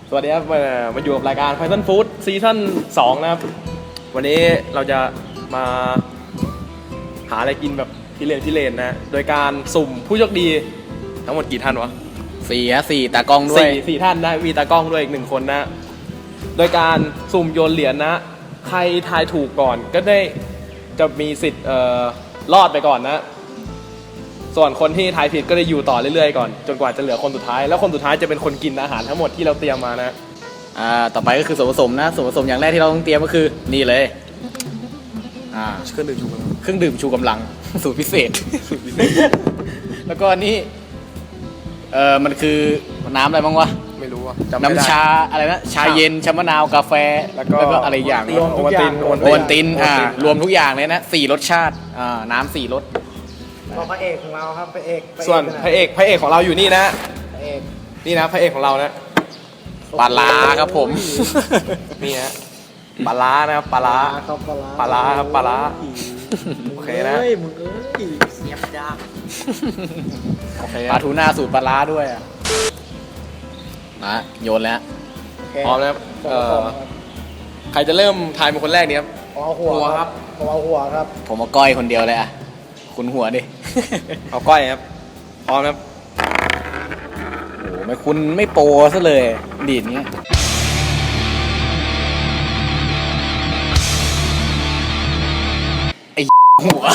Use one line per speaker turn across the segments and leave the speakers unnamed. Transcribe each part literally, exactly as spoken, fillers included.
สวัสดีครับมามาอยู่กับรายการ Python Food ซีซั่นสองนะครับวันนี้เราจะมาหาอะไรกินแบบพิเรนพิเรนนะโดยการสุ่มผู้โชคดีทั้งหมดกี่ท่านวะ
สี่ฮะสี่ตากล้องด้วย
สี่สี่ท่านนะมีตากล้องด้วยอีกหนึ่งคนนะโดยการสุ่มโยนเหรียญนะใครทายถูกก่อนก็ได้จะมีสิทธิ์เอ่อรอดไปก่อนนะส่วนคนที่ทายผิดก็ได้อยู่ต่อเรื่อยๆก่อนจนกว่าจะเหลือคนสุดท้ายแล้วคนสุดท้ายจะเป็นคนกินอาหารทั้งหมดที่เราเตรียมมานะ
อ่าต่อไปก็คือส่วนผสมนะส่วนผสมอย่างแรกที่เราต้องเตรียมก็คือนี่เลยอ่า
เครื่องดื่มชูกำลัง
เครื่องดื่มชูกำลังสูตรพิเศษสูตรพิเศษแล้วก็นี่เออมันคือน้ำอะไรบ้างวะ
ไม่รู้อ่ะ
น้ำชาอะไรนะชาเย็นชามะนาวกาแฟแล้วก็อะไรอย่าง
โอวัลติน
โอวัลตินอ่ารวมทุกอย่างเลยนะสี่รสชาติอ่าน้ำสี่รส
พระเอกของเราครับพระเอก
ส่วนพระเอกพระเอกของเราอยู่นี่นะ
พระเอก
นี่นะพระเอกของเรานะ
ปลาร้าครับผม
นี่ฮะปลาร้านะครับปลาร้าปลาร้าครับปลาร้าโอเคนะ
เฮ้ยมึงเอ้ยเสียบยาก
โอเคปลาทูน่าสูตรปลาร้าด้วยอ่ะมาโยนแล้ว
พร้อมแล้วเอ่อใครจะเริ่มทายเป็นคนแรกเนี่ยครับ
เอาหัวครับเอาหัวครับ
ผมเอาก้อยคนเดียวเลยอ่ะคุณหัวดิ
เอาก้อยครับพร้อมครับ
โอ้ไม่คุณไม่โปรซะเลยดีดเงี้ยไอ้หัว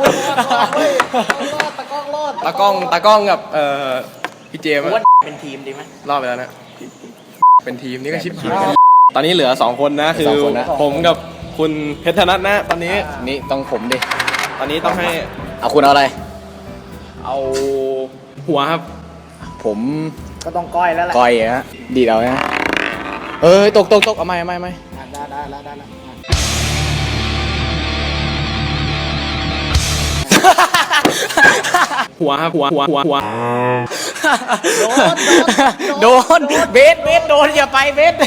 ตากล้องรอด
ตากล้องตากล้องกับเอ่อพี่เจมส์
เป็นทีมดีไหม
รอดไปแล้วนะเป็นทีมนี่ก็ชิปหายตอนนี้เหลือสองคนนะคือผมกับคุณเพชรธนัทนะตอนนี้
นี่ต้องผมดิ
ตอนนี้ต้องให้
เอาคุณเอาอะไร
เอาหัวครับ
ผม
ก็ต้องก้อยแล้วแหละ
ก้อยฮะดีเอาฮะเอ้ยตกตกตกเอาไหมเอาไหมเอาไหม
ได้ได้แล้วได้แล้ว
หัวครับหัวหัวหัวหัว
โดนโดนเบสเบสโดนอย่าไปเบส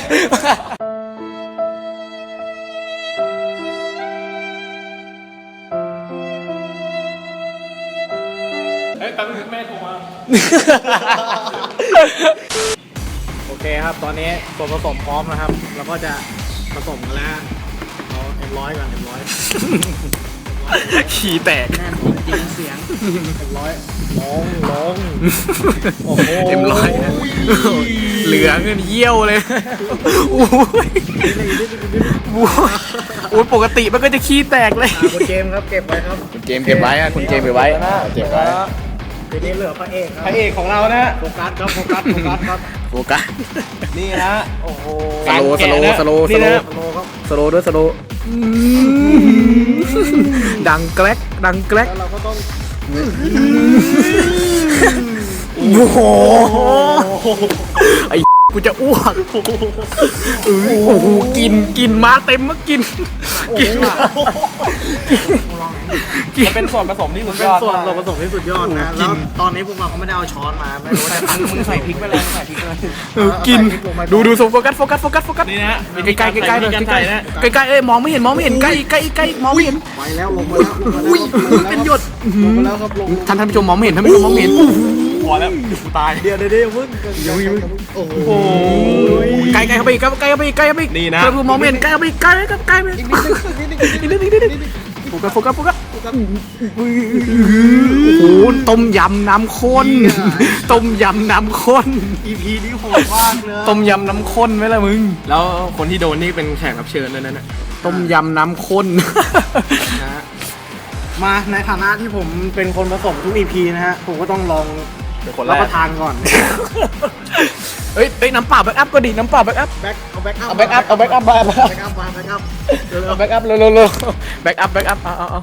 เฮ้ยแป๊บนึงแม่โทรมา
โอเคครับตอนนี้ส่วนผสมพร้อมนะครับเราก็จะผสมกันแล้วเอาเอ็มร้อยก่อนเอ็มร้อย
ขี้แตก
แน่นจริงเสียงเอ็มร้อยลงลง
โอ้โหเอ็มร้อยเหลือเงินเยี่ยวเลยโอ้ยโอ้ยปกติมันก็จะขี้แตกเลย
คุณเจมครับเก็บไว้ครับ
คุณเจมเก็บไว้คุณเจมเก็บไว้เก็บไว้
ทีนี้เหลือพระเอก
พระเอกของเรานะ
โฟกัสครับโฟกัสโฟกัสครับ
โฟกัส
นี่นะโอ้โห
สโลสโลสโลสโลสโลด้วยสโลดังแกลกดังแกลก
เราก็ต้อง
โอ้โหไอ้กูจะอ้วกโอ้โหกินกินมาเต็มมากินกิน
มันเป็นส่วนผสมที่สุดยอด
เป็นส่วนผสมที่สุดยอดนะแล้วตอนนี้พวกเราเขาไม่ได้เอาช้อนมาไม่รู้ว่าจะ
มึงใส่พริกไปเลยใส่พริกเลย
กินดูดูโฟกัสโฟกัสโฟกัสโฟกัส
นี่นะ
ใกล้ใกล้ใกล้เลยใกล้ใกล้ใกล้เอ้ยมองไม่เห็นมองไม่เห็นใกล้ใกล้ใกล้มองไม่เห็น
ไปแล้วลงมาแล้ว
อุ้ยเป็นหยด
ลงมาแล้วครับลง
ท่านท่านผู้ชมมองไม่เห็นท่านผู้ชมมองไม่เห็น
พอแล้วตาย
เดี๋ยวเดี๋ยวเดี๋ยวพึ่ง
โอ้โหใกล้ใกล้เข้าไปอีกใกล้เข้าไปอีกใกล้เข้าไปอีก
นี่นะ
ท่านผู้ชมมองไม่เห็นใกล้เข้าไปอีกใกล้ครับใกล้ไปอีกนิดนึงอีกนิดนึงอีกนิดนึงโฟกัสโฟกัสโฟกัสโอ้โหต้มยำน้ำข้นต้มยำน้ำข้น
อี พี นี้โหดมากเลย
ต้มยำน้ำข้นไหมล่ะมึง
แล้วคนที่โดนนี่เป็นแขกรับเชิญนั่นน่ะ
ต้มยำน้ำข้น
นะมาในฐานะที่ผมเป็นคนผสมทุก อี พี นะฮะผมก็ต้องลองรับประทานก่อน
เอ้ยเอ้ยน้ำเปล่าแบ็กอัพก็ดีน้ำเปล่าแบ็กอัพ
แบ็กเอาแบ็กอัพ
เอาแบ็กอัพเอาแบ็กอัพมา
แบ็กอัพมาแบ็กอัพ
เอาแบ็กอัพเร็วเร็วเร็วแบ็กอัพแบ็กอัพเอาเอาเอา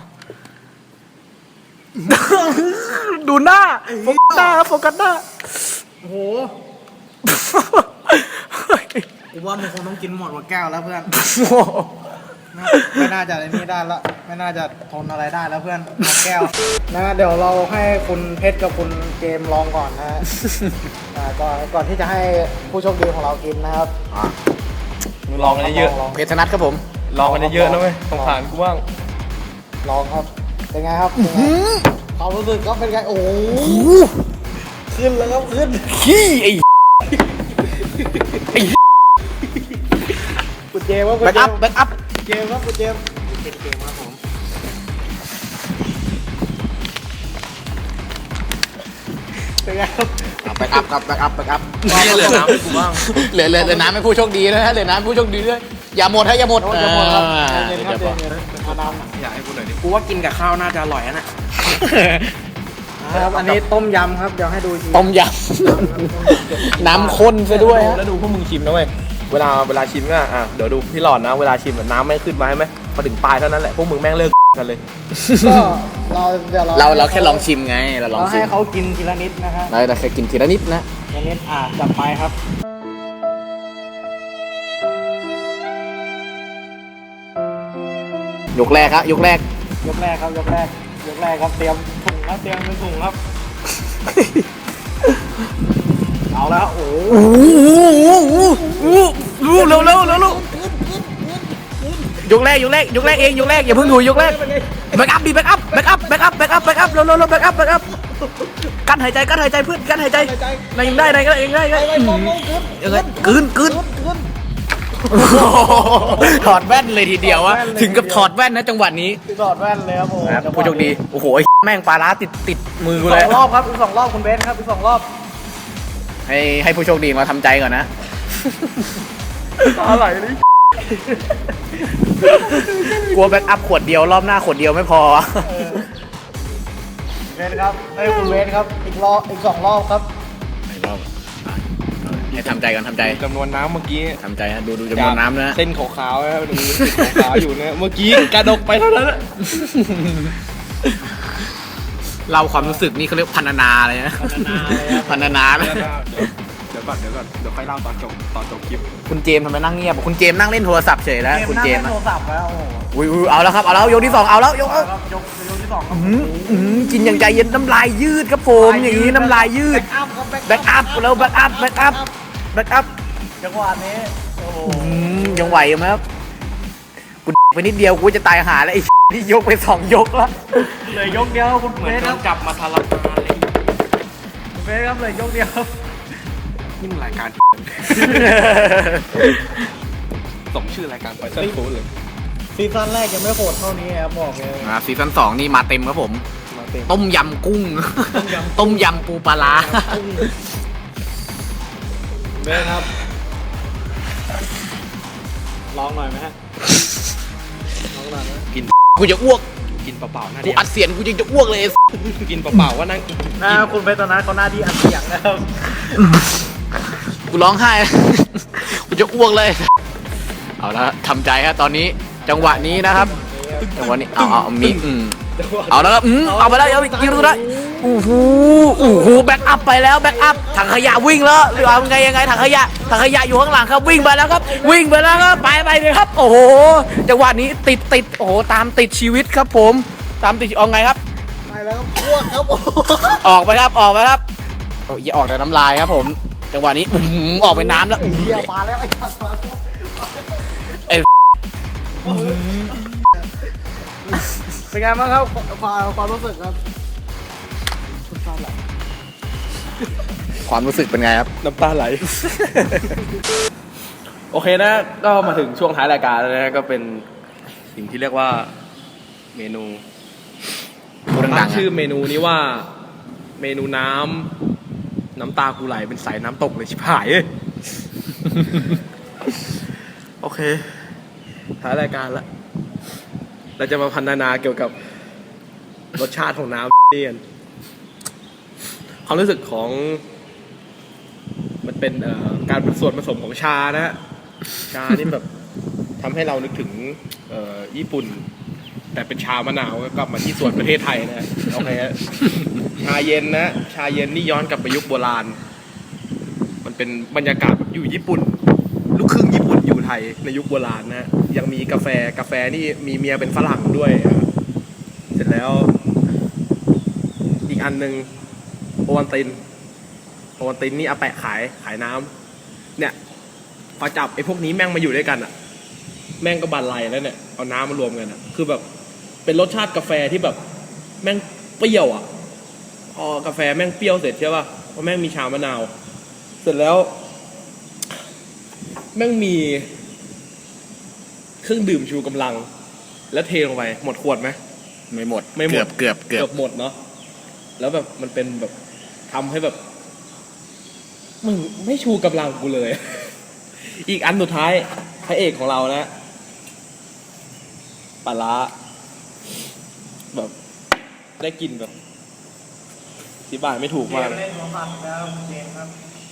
ดูหน้าโฟกัสหน้าโฟกัสหน้า
โอ้โหกูว่ามึงคงต้องกินหมดหมดแก้วแล้วเพื่อนไม่น่าจะอะไรนี้ได้ละไม่น่าจะทนอะไรได้แล้วเพื่อนหมดแก้วนะเดี๋ยวเราให้คุณเพชรกับคุณเจมลองก่อนนะก่อนก่อนที่จะให้ผู้โชคดีของเรากินนะครับ
ลองกันเยอะ
เพชรธนัทครับผม
ลองกันเยอะนะเว้ยสงสารกูบ้าง
ลองครับเป็นไงครับความรู้สึกก็เป็นไงโอ้ขึ้นแล้วครับขึ้น
ขี้ไอ้ไอ้
เจมส์ครับคุณ
แบ็ก
เจ
อั
ม
พ
ส์
แบ็กอัพ
เจมส์ครับคุณเจมส์เป็นเกมครับผมเป็นไงครับ
แบ็กอัพครับแบ็กอัพแบ็กอัพ
เหลือน้ำให้กูบ้าง
เหลือเหลือเหลือน้ำให้ผู้โชคดีนะฮะเหลือน้ำให้ผู้โชคดีด้วยอย่าหมดฮะอย่าหมด
โอ้ยจะหมดครับ
อ่า
เย็นๆครับเย็นๆเอาน้ำหน่อย
อยากให้กูหน่อยดิ
กูว่ากินกับข้าวน่าจะอร่อยนะ
ครับอันนี้ต้มยำครับเดี๋ยวให้ดูอีกที
ต้มยำน้ำข้นซะด้วยฮะ
แล้วดูพวกมึงชิมนะเว้ยเวลาเวลาชิมก็อ่ะเดี๋ยวดูพี่หลอดนะเวลาชิมอะน้ำไม่ขึ้นมาใช่ไหมพอถึงปลายเท่านั้นแหละพวกมึงแม่งเลิกกันเลย
ก็เราเดี๋ยวเรา
เราเราแค่ลองชิมไงเราลอง
เรา
ชิ
ให้
ม
เขากินทีละนิดนะฮะ
เราแค่กินทีละนิดนะ
ทีละนิดอ่ะจัดไปครับ
ยกแรกครับยกแรก
ยกแรกครับยกแรกยกแรกครับเตรียมถุงครับเตรียมเป็นถุงครับ เอาแล้วโอ้โห
โอ้โหโอ้โหเร็วเร็วเร็วเร็วยกแรกยกแรกยกแรกเองยกแรกอย่าเพิ่งดูยกแรกแบ็กอัพดิแบ็กอัพแบ็กอัพแบ็กอัพแบ็กอัพแบ็กอัพเร็วเร็วเร็วแบ็กอัพแบ็กอัพกั้นหายใจกั้นหายใจเพื่อนกั้นหายใจนายยังได้นายก็ได้เองได้ได้ยังไงกลืนกลืนถอดแว่นเลยทีเดียววะถึงกับถอดแว่นนะจังหวะนี้
ถอดแว่นเลยครับผม
ผู้โชคดีโอ้โหแม่งปลาร้าติดติดมือกู
ส
เล
อย งรอบครับอีกสองรอบคุณเบสครับอีกสองรอบ
ให้ให้ผู้โชคดีมาทำใจก่อนนะ
อะไรนี่
กลัวแบ็กอัพขวดเดียวรอบหน้าขวดเดียวไม่พอ
เบสครับเอ้ยคุณเบสครับอีกรอบอีกสองรอบครับ
รอบให้ทำใจก่อนทำใจ
จำนวนน้ำเมื่อกี้
ทำใจฮะดูดูจำนวนน้ำนะ
เส้นขาวๆนะครับดูเส้นขาวๆอยู่เนี่ยเมื่อกี้กระดกไปเท่านั้นแหละ
เราความรู้สึกนี่เขาเรียกพันนาเลยนะพันนาเลย
เดี๋ยวก่อนเดี๋ยวก่อนเดี๋ยวค่อยเล่าตอนจบตอนจบคลิป
คุณเจมส์ทำไมนั่งเงียบคุณเจมส์นั่งเล่นโทรศัพท์เฉยแล้วคุณเจมส์
นั่งล่นโทรศัพท์แล้วโอ้โห
อุ้ยอุ้ยเอาแล้วครับเอาแล้วยกที่สองเอาแล้วยกเอา
ครับยกยกที่สองครับ
อื้อหือกินอย่างใจเย็นน้ำลายยืดครับผมอย่างนี้น้ำลายยืด
แบ็กอัพครับ
แบ็กอัพแล้วแบ็กอัพแบ็กอัพแบ็กอัพ
จังหวะนี้โอ้โห
อืมยังไหวไหมครับกูไปนิดเดียวกูจะตายหาแล้วไอ้ ที่ยกไปสองยกแล้ว
เลยยกเดียวคุณ
เหมื
เบ
อน
ส
โด
ครั
น
บ
จับมาทารามาเลย
คุณเบสครับเลยยกเดียว
นี่มันรายการ สมชื่อรายการไฟเซอร์ฟูดเลย
ซีซั่นแรกยังไม่โหดเท่านี้ครับบอกเลย
อ่าซีซั่นสองนี่มาเต็มครับผม
มาเต็ม
ต้มยำกุ้ง
ต้มยำ
ต้มยำปูปลาร้า
เบสครับลองหน่อยไหมฮะลองหน่อยไหม
กิน
กูจะอ้วก
กินเปล่าๆน่า
กู
ดี
อัดเสียงกูยังจะอ้วกเลย
กินเปล่าๆว่านั่ง
นะคุณเบสตอนนั้นเขาหน้าที่อัดเสียงนะครับ
กูร้องไห้ กูจะอ้วกเลย เอาละทำใจฮะตอนนี้จังหวะนี้นะครับจังหวะนี้เอาเอาเอามีอืมเอาแล้วครับอืมเอาไปแล้วเอาอีกยิงตัวได้โอ้โหโอ้โหแบ็กอัพไปแล้วแบ็กอัพถังขยะวิ่งแล้วหรือเอาไงยังไงถังขยะถังขยะอยู่ข้างหลังครับวิ่งไปแล้วครับ วิ่งไปแล้วครับไปไปเลยครับ โอ้โหจังหวะนี้ติดติดโอ้โหตามติดชีวิตครับผม ตามติดเอาไงครับ
ไปแล้วครับอ้วกครับโอ้โห
ออกไปครับออกไปครับโอ้ยอย่าออกแต่น้ำลายครับผม จังหวะนี้อื้อหือออกไปน้ำแล้วอื้อหื
เหี้ย
อ
มาแล้วไอ้สัตว์มาแล้ว
ไอ้
เป็นไงบ้างครับความความรู้สึกครับ
ความรู้สึกเป็นไงครับ
น้ำตาไหล โอเคนะ ก็มาถึงช่วงท้ายรายการแล้วนะก็เป็นสิ่งที่เรียกว่าเมนู
พูดดั
ตั้
ง
ง
ๆ
ชื่อ
อะ
เมนูนี้ว่าเมนูน้ำน้ำตากูไหลเป็นสายน้ำตกเลยชิบหายเอ้ย โอเคท้ายรายการละเราจะมาพันนาเกี่ยวกับรสชาติของน้ำนี่กันความรู้สึกของมันเป็นเอ่อการเป็นส่วนผสมของชานะฮะชานี่แบบทำให้เรานึกถึงเอ่อญี่ปุ่น แต่เป็นชามะนาวก็กลับมาที่ส่วนประเทศไทยนะฮะโอเคฮะชาเย็นนะชาเย็นนี่ย้อนกลับไปยุคโบราณ มันเป็นบรรยากาศแบบอยู่ญี่ปุ่น ลูกครึ่งญี่ปุ่นอยู่ไทยในยุคโบราณนะฮะยังมีกาแฟกาแฟนี่มีเมียเป็นฝรั่งด้วยอ่ะเสร็จแล้ว อีกอันหนึ่งโอวัลตินโอวัลตินนี่อาแปะขายขายน้ำเนี่ยพอจับไอ้พวกนี้แม่งมาอยู่ด้วยกันอ่ะ แม่งก็บันไลแล้วเนี่ยเอาน้ำมารวมกันอ่ะคือแบบเป็นรสชาติกาแฟที่แบบแม่งเปรี้ยวอ่ะพอกาแฟแม่งเปรี้ยวเสร็จใช่ป่ะพอแม่งมีชามะนาวเสร็จแล้วแม่งมีเครื่องดื่มชูกำลัง แล้วเทลงไปหมดขวดไหม
ไม่หมด
ไม่หมด
เกือบเกือบเกือบ
หมดเนาะแล้วแบบมันเป็นแบบทำให้แบบมึงไม่ชูกำลังกูเลย อีกอันสุดท้ายพระเอกของเรานะปลาร้าแบบได้กลินแบบอธิบายไม่ถูกมาก
เล่นหัวผัดแล้วเกมครับ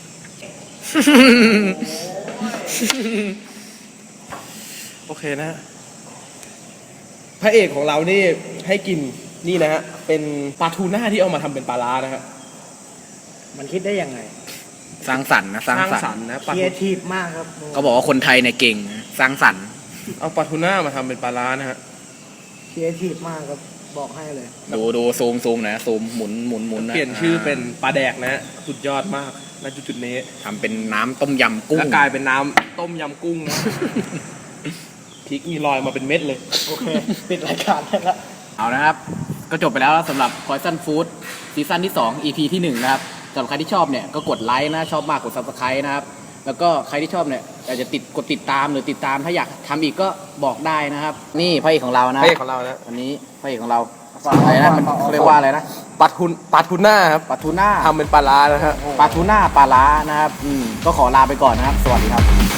โอเคนะฮะพระเอกของเรานี่ให้กินนี่นะฮะเป็นปลาทูน่าที่เอามาทำเป็นปลาร้านะฮะ
มันคิดได้ยังไง
สร้างสรรค์นะสร้างสรรค์
นะ
ค
ปลา
รี
ทู
เอทีฟมากครับ
เขาบอกว่าคนไทยเนี่ยเก่งนะสร้างสรรค์
เอาปลาทูน่ามาทำเป็นปลาร้านะฮะ
ครีเอทีฟมากครับบอกให้เลย
ดูดูซูมซูมหนะซูมหมุนหมุนหมุนนะ
เปลี่ยนชื่อเป็นปลาแดกนะฮะสุดยอดมากณจุดๆนี้
ทำเป็นน้ำต้มยำกุ้ง
แล้วกลายเป็นน้ำต้มยำกุ้งนะ พริกมีรอยมาเป็นเม็ดเลย
โอเค ปิดรายการได้แล้ว
เอานะครับ ก็จบไปแล้วสำหรับ Poison Food ซีซั่นที่ สอง อี พี ที่ หนึ่ง นะครับสำหรับใครที่ชอบเนี่ยก็กดไลค์นะชอบมากกด Subscribe นะครับ แล้วก็ใครที่ชอบเนี่ยอยากจะติดกดติดตามหรือติดตามถ้าอยากทำอีกก็บอกได้นะครับ นี่พระเอกของเรานะ
พระเอกของเรานะ
อันนี้พระเอกของเราอะไรนะมันเขาเรียกว่าอะไรนะ
ปลาทูปลาทูน่าครับ
ปลาทูน่า
ทำเป็นปลาร้านะฮะ
ปลาทูน่าปลาล้านะครับอืมก็ขอลาไปก่อนนะครับ สวัสดีครับ